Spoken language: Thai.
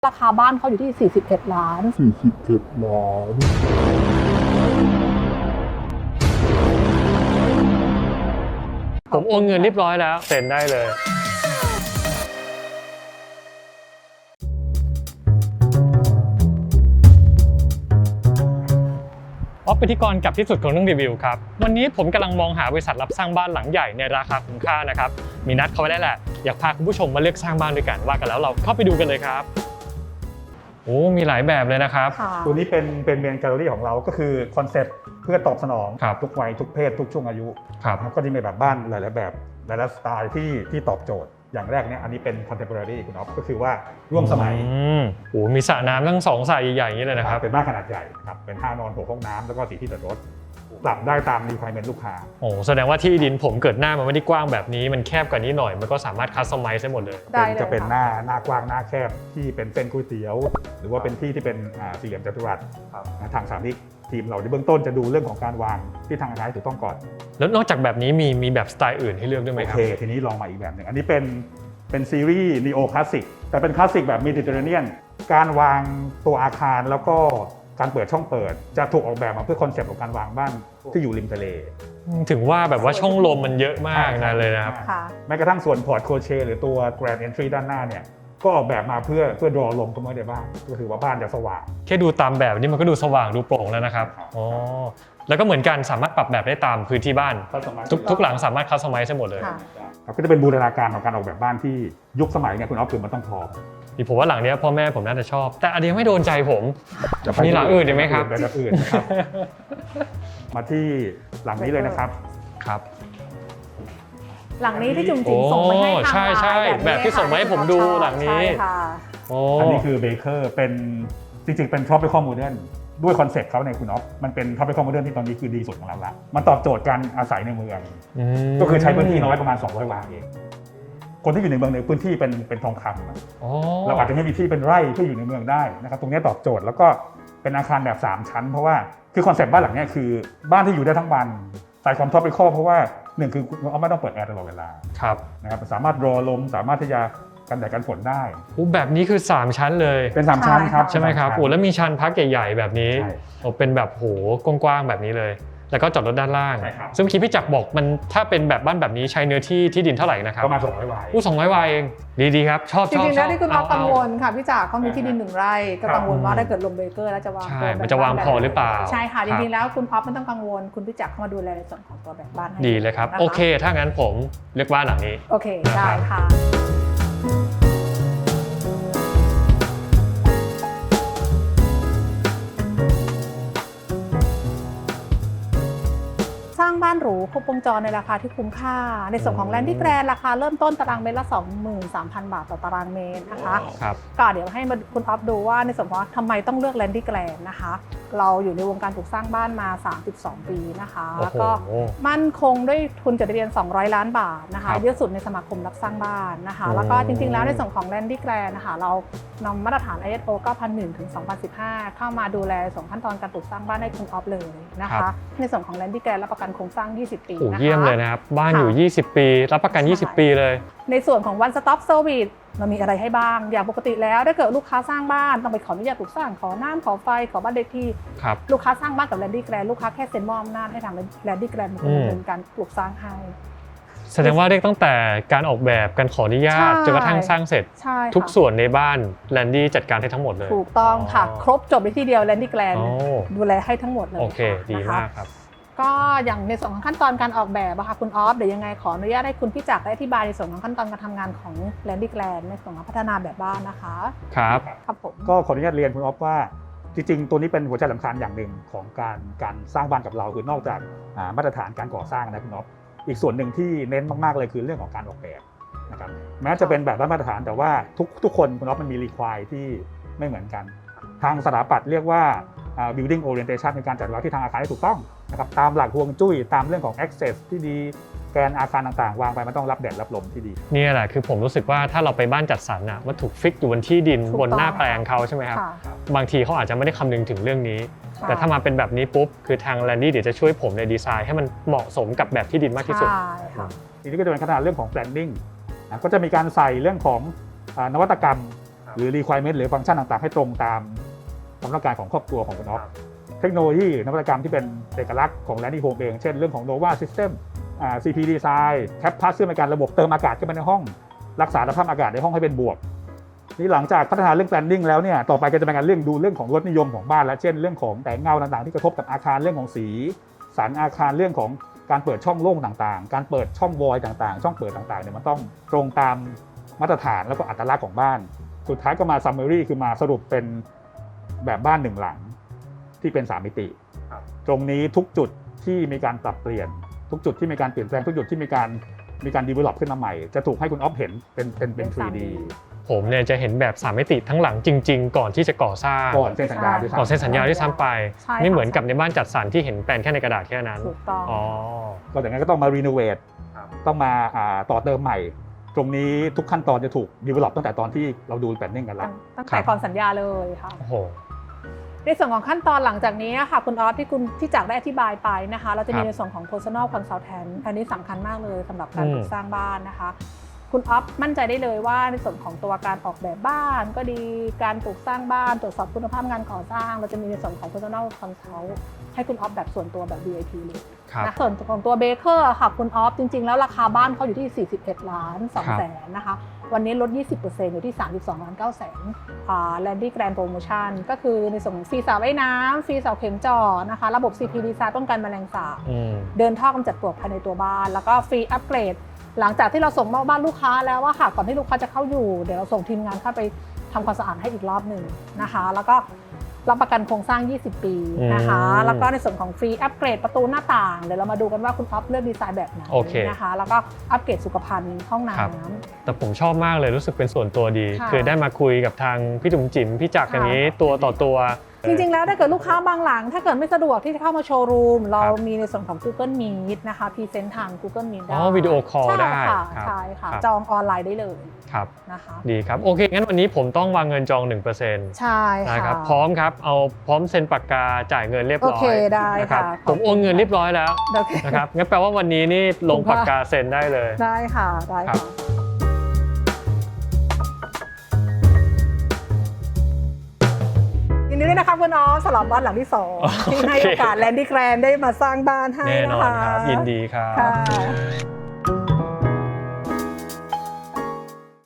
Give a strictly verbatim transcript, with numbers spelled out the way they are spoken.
ราคาบ้านเขาอยู่ที่สี่สิบเอ็ดล้านสี่สิบเอ็ดล้านผมโอนเงินเรียบร้อยแล้วเซ็นได้เลยออฟพิธีกรกับที่สุดของเรื่องรีวิวครับวันนี้ผมกำลังมองหาบริษัทรับสร้างบ้านหลังใหญ่ในราคาคุ้มค่านะครับมีนัดเขาไว้แล้วแหละอยากพาคุณผู้ชมมาเลือกสร้างบ้านด้วยกันว่ากันแล้วเราเข้าไปดูกันเลยครับโอ้มีหลายแบบเลยนะครับตัวนี้เป็นเป็นเมนแกลเลอรี่ของเราก็คือคอนเซ็ปต์เพื่อตอบสนองทุกวัยทุกเพศทุกช่วงอายุครับก็จะมีแบบบ้านหลายๆแบบหลายๆสไตล์ที่ที่ตอบโจทย์อย่างแรกเนี่ยอันนี้เป็น contemporary คุณอ๊อฟก็คือว่าร่วมสมัยโอ้มีสระน้ำทั้งสองสระใหญ่ๆอย่างนี้เลยนะครับเป็นบ้านขนาดใหญ่ครับเป็นห้านอนหกห้องน้ำแล้วก็สี่ที่จอดรถปรับได้ตาม requirement ลูกค้าโอ้แสดงว่าที่ดินผมเกิดหน้ามันไม่ได้กว้างแบบนี้มันแคบกว่านี้หน่อยมันก็สามารถคัสตอมไมซ์ได้หมดเลยจะเป็นหน้าหน้ากว้างหน้าแคบที่เป็นเส้นก๋วยเตี๋ยวหรือว่าเป็นที่ที่เป็นสี่เหลี่ยมจัตุรัสทางสามมิติทีมเราในเบื้องต้นจะดูเรื่องของการวางที่ทางการถูกต้องก่อนแล้วนอกจากแบบนี้มีมีแบบสไตล์อื่นให้เลือกด้วยไหมครับโอเคทีนี้ลองมาอีกแบบหนึ่งอันนี้เป็นเป็นซีรีส์นีโอคลาสสิกแต่เป็นคลาสสิกแบบเมดิเตอร์เรเนียนการวางตัวอาคารแล้วก็การเปิดช่องเปิดจะถูกออกแบบมาเพื่อคอนเซปต์ของการวางบ้านที่อยู่ริมทะเลถึงว่าแบบว่าช่องลมมันเยอะมากนะเลยนะครับแม้กระทั่งส่วนพอร์ตโคเชหรือตัว Grand Entry ด้านหน้าเนี่ยก็ออกแบบมาเพื่อเพื่อดรอลมเข้ามาในบ้านก็คือว่าบ้านจะสว่างแค่ดูตามแบบนี้มันก็ดูสว่างดูโปร่งแล้วนะครับอ๋อแล้วก็เหมือนกันสามารถปรับแบบได้ตามพื้นที่บ้านทุกทุกหลังสามารถคัสตอมไมซ์ได้หมดเลยก็จะเป็นบูรณาการของการออกแบบบ้านที่ยุคสมัยเนี่ยคุณอ๊อฟคือมันต้องพอที่ผมว่าหลังนี้พ่อแม่ผมน่าจะชอบแต่อันนี้ไม่โดนใจผมมีหลังอื่นได้ไหมครับหลังอื่นนะครับมาที่หลังนี้เลยนะครับครับหลังนี้ที่จุ๋มจิ๋มส่งไปให้ทางใช่ใช่แบบที่ส่งมาให้ผมดูหลังนี้อันนี้คือเบเกอร์เป็นจริงๆเป็น tropical modern ด้วยคอนเซ็ปต์เขาในคุณอ๊อฟมันเป็น tropical modern ที่ตอนนี้คือดีสุดของเราละมันตอบโจทย์การอาศัยในเมืองก็คือใช้พื้นที่น้อยประมาณสองร้อยวาเองคนที่อยู่ในเมืองในพื้นที่เป็นเป็นทองคำเราอาจจะไม่มีที่เป็นไร่ที่อยู่ในเมืองได้นะครับตรงนี้ตอบโจทย์แล้วก็เป็นอาคารแบบสามชั้นเพราะว่าคือคอนเซ็ปต์บ้านหลังนี้คือบ้านที่อยู่ได้ทั้งวันใส่ความท็อปปิคอลเพราะว่าหนึ่งคือเราไม่ต้องเปิดแอร์ตลอดเวลาครับนะครับสามารถรอลมสามารถที่จะกันแดดกันฝนได้แบบนี้คือสามชั้นเลยเป็นสามชั้นครับใช่ไหมครับโอ้แล้วมีชั้นพักใหญ่ๆแบบนี้โอ้เป็นแบบโหกว้างๆแบบนี้เลยแล้วก็จอดรถด้านล่างซึ่งเมื่อกี้พี่จักรบอกมันถ้าเป็นแบบบ้านแบบนี้ใช้เนื้อที่ที่ดินเท่าไหร่นะครับประมาณสองร้อยวายอู้สองร้อยวายเองดีๆครับชอบจริงๆแล้วที่คุณอ๊อฟกังวลค่ะพี่จักรเขามีที่ดินหนึ่งไร่ก็กังวลว่าถ้าเกิดลงเบเกอร์แล้วจะวางใช่มันจะวางพอหรือเปล่าใช่ค่ะจริงๆแล้วคุณอ๊อฟไม่ต้องกังวลคุณพี่จักรเข้ามาดูแลในส่วนของตัวแบบบ้านให้ดีเลยครับโอเคถ้างั้นผมเลือกบ้านหลังนี้โอเคได้ค่ะสร้างบ้านหรูครบวงจรในราคาที่คุ้มค่าในส่วนของแลนดี้แกรนราคาเริ่มต้นตารางเมตรละ สองหมื่นสามพัน บาทต่อตารางเมตรนะคะก็เดี๋ยวให้คุณอ๊อฟดูว่าในส่วนของทำไมต้องเลือกแลนดี้แกรนนะคะเราอยู่ในวงการปลูกสร้างบ้านมาสามสิบสองปีนะคะแล้วก็มั่นคงด้วยทุนจดทะเบียนสองร้อยล้านบาทนะคะเยอะสุดในสมาคมรับสร้างบ้านนะคะแล้วก็จริงๆแล้วในส่วนของแลนดี้แกรนนะคะเรานำมาตรฐาน ไอ เอส โอ เก้าพันหนึ่ง ถึง สองพันสิบห้า เข้ามาดูแลส่งขั้นตอนการปลูกสร้างบ้านให้คุณอ๊อฟเลยนะคะในส่วนของแลนดี้แกรนรับประกันโครงสร้างยี่สิบปีนะคะเยี่ยมเลยนะครับบ้านอยู่ยี่สิบปีรับประกันยี่สิบปีเลยในส่วนของ One Stop Service เรามีอะไรให้บ้างอย่างปกติแล้วถ้าเกิดลูกค้าสร้างบ้านต้องไปขออนุญาตปลูกสร้างขอน้ำขอไฟขอบ้านเลขที่ลูกค้าสร้างบ้านกับแลนดี้แกรนลูกค้าแค่เซ็นมอบอำนาจให้ทางแลนดี้แกรนดำเนินการปลูกสร้างให้แสดงว่าเรียกตั้งแต่การออกแบบการขออนุญาตจนกระทั่งสร้างเสร็จทุกส่วนในบ้านแลนดี้จัดการให้ทั้งหมดเลยถูกต้องค่ะครบจบในที่เดียวแลนดี้แกรนดูแลให้ทั้งหมดเลยโอเคดีมากครับก็อย่างในส่วนของขั้นตอนการออกแบบอะค่ะคุณออฟเดี๋ยวยังไงขออนุญาตให้คุณพี่จักรได้อธิบายในส่วนของขั้นตอนการทำงานของแลนดี้แกรนในส่วนของพัฒนาแบบบ้านนะคะครับครับผมก็ขออนุญาตเรียนคุณออฟว่าจริงๆตัวนี้เป็นหัวใจสำคัญอย่างหนึ่งของการการสร้างบ้านกับเราคือนอกจากมาตรฐานการก่อสร้างนะคุณออฟอีกส่วนหนึ่งที่เน้นมากๆเลยคือเรื่องของการออกแบบนะครับแม้จะเป็นแบบมาตรฐานแต่ว่าทุกทุกคนคุณออฟมันมีรีควายที่ไม่เหมือนกันทางสถาปัตย์เรียกว่า building orientation ในการจัดวางที่ทางอาคารให้ถูกต้องนะครับตามหลักฮวงจุ้ยตามเรื่องของ access ที่ดีแกนอาคารต่างๆวางไปมันต้องรับแดดรับลมที่ดีนี่แหละคือผมรู้สึกว่าถ้าเราไปบ้านจัดสรรน่ะมันถูกฟิกอยู่บนที่ดินบนหน้าแปลงเขาใช่ไหมครับบางทีเขาอาจจะไม่ได้คำนึงถึงเรื่องนี้แต่ถ้ามาเป็นแบบนี้ปุ๊บคือทางแลนดี้เดี๋ยวจะช่วยผมในดีไซน์ให้มันเหมาะสมกับแบบที่ดินมากที่สุดทีนี้ก็จะเป็นขนาดเรื่องของ planning ก็จะมีการใส่เรื่องของนวัตกรรมหรือ requirement หรือฟังก์ชันต่างๆให้ตรงตามความต้องการของครอบครัวของคุณอ๊อฟเทคโนโลยีนวัตกรรมที่เป็นเอกลักษณ์ของ Landy Home เองเช่นเรื่องของ Nova System อ่า ซี พี Design Cap Pass ซึ่งเป็นการระบบเติมอากาศเข้าไปในห้องรักษาสภาพอากาศในห้องให้เป็นบวกนี่หลังจากพัฒนาเรื่อง planning แล้วเนี่ยต่อไปก็จะเป็นการเรื่องดูเรื่องของรสนิยมของบ้านและเช่นเรื่องของแสงเงาต่างๆที่กระทบกับอาคารเรื่องของสีสันอาคารเรื่องของการเปิดช่องโล่งต่างๆการเปิดช่องวอยต่างๆช่องเปิดต่างๆเนี่ยมันต้องตรงตามมาตรฐานแล้วก็อัตลักษณ์ของบ้านสุดท้ายก็มา summary คือมาสรุปเป็นแบบบ้านหนึ่งหลังที่เป็นสามมิติตรงนี้ทุกจุดที่มีการปรับเปลี่ยนทุกจุดที่มีการเปลี่ยนแปลงทุกจุดที่มีการมีการ develop ขึ้นมาใหม่จะถูกให้คุณอ๊อฟเห็นเป็นเป็นเป็น ทรี ดีผมเนี่ยจะเห็นแบบสามมิติทั้งหลังจริงๆ ก่อนที่จะก่อสร้างก่อนเซ็นสัญญาด้วยซ้ำก่อนเซ็นสัญญาที่ซ้ำไปใช่ค่ะไม่เหมือนกับในบ้านจัดสรรที่เห็นแปลนแค่ในกระดาษแค่นั้นถูกต้องอ๋อก็จากนั้นก็ต้องมา renovate ต้องมาอ่าต่อเติมใหม่ ตรงนี้ทุกขั้นตอนจะถูก develop ตั้งแต่ตอนที่เราดู planning กันแล้วตั้งแต่ก่อนสัญญาเลยค่ะโอ้โหในส่วนของขั้นตอนหลังจากนี้ค่ะคุณออฟที่คุณที่จากได้อธิบายไปนะคะ เราจะมีครับในส่วนของ personal consultant อันนี้สำคัญมากเลยสำหรับการอืมปลูกสร้างบ้านนะคะ คุณออฟมั่นใจได้เลยว่าในส่วนของตัวการออกแบบบ้านก็ดีการปลูกสร้างบ้านตรวจสอบคุณภาพงานก่อสร้าง เราจะมีในส่วนของ personal consult ให้คุณออฟแบบส่วนตัวแบบ วี ไอ พี เลยครับนะส่วนของตัวเบเกอร์ค่ะคุณออฟจริงๆแล้วราคาบ้านเขาอยู่ที่สี่สิบเอ็ดล้านสองแสนนะคะวันนี้ลด ยี่สิบเปอร์เซ็นต์ อยู่ที่สามสิบสองล้านเก้าแสนอ่า Landy Grand Promotion ก็คือในส่วนของฟรีสระว่ายน้ำฟรีเสาเข็มจ่อนะคะระบบ ซี พี Design ป้องกันแมลงสาบอืมเดินท่อกำจัดปลวกภายในตัวบ้านแล้วก็ฟรีอัปเกรดหลังจากที่เราส่งมอบบ้านลูกค้าแล้วว่าค่ะก่อนที่ลูกค้าจะเข้าอยู่เดี๋ยวเราส่งทีมงานเข้าไปทำความสะอาดให้อีกรอบหนึ่งนะคะแล้วก็รับประกันโครงสร้าง ยี่สิบ ปีนะคะอืมแล้วก็ในส่วนของฟรีอัปเกรดประตูหน้าต่างเดี๋ยวเรามาดูกันว่าคุณอ๊อฟเลือกดีไซน์แบบไหนโอเคนะคะแล้วก็อัปเกรดสุขภัณฑ์ห้องน้ครับำแต่ผมชอบมากเลยรู้สึกเป็นส่วนตัวดีค่ะคือได้มาคุยกับทางพี่จุ๋มจิ๋มพี่จักรอย่างนี้ตัวต่อตัวจริงๆ แล้วถ้าเกิดลูกค้าบางหลัง ถ้าเกิดไม่สะดวกที่จะเข้ามาโชว์รูม เราครับมีในส่วนของ Google Meet นะคะพรีเซนต์ทาง Google Meet ได้อ๋อวิดีโอคอลได้ใช่ค่ะครับใช่ค่ะครับจองออนไลน์ได้เลยครับนะคะดีครับ โอเค งั้นวันนี้ผมต้องวางเงินจอง หนึ่งเปอร์เซ็นต์ใช่ค่ะนะครับ พร้อมครับ เอาพร้อมเซ็นปากกาจ่ายเงินเรียบร้อยโอเคได้นะครับค่ะผมโอนเงินเรียบร้อยแล้วโอเคนะครับ งั้นแปลว่าวันนี้นี่ลงขอบคุณปากค่ะกาเซ็นได้เลยได้ค่ะ ได้ครัค่ะบยินดีด้วยนะคะคุณน้องสำหรับบ้านหลังที่สองที่ให้โอกาสแลนดี้แกรนได้มาสร้างบ้านให้แน่นนะอนคะครับ ยินดีครับค่ะ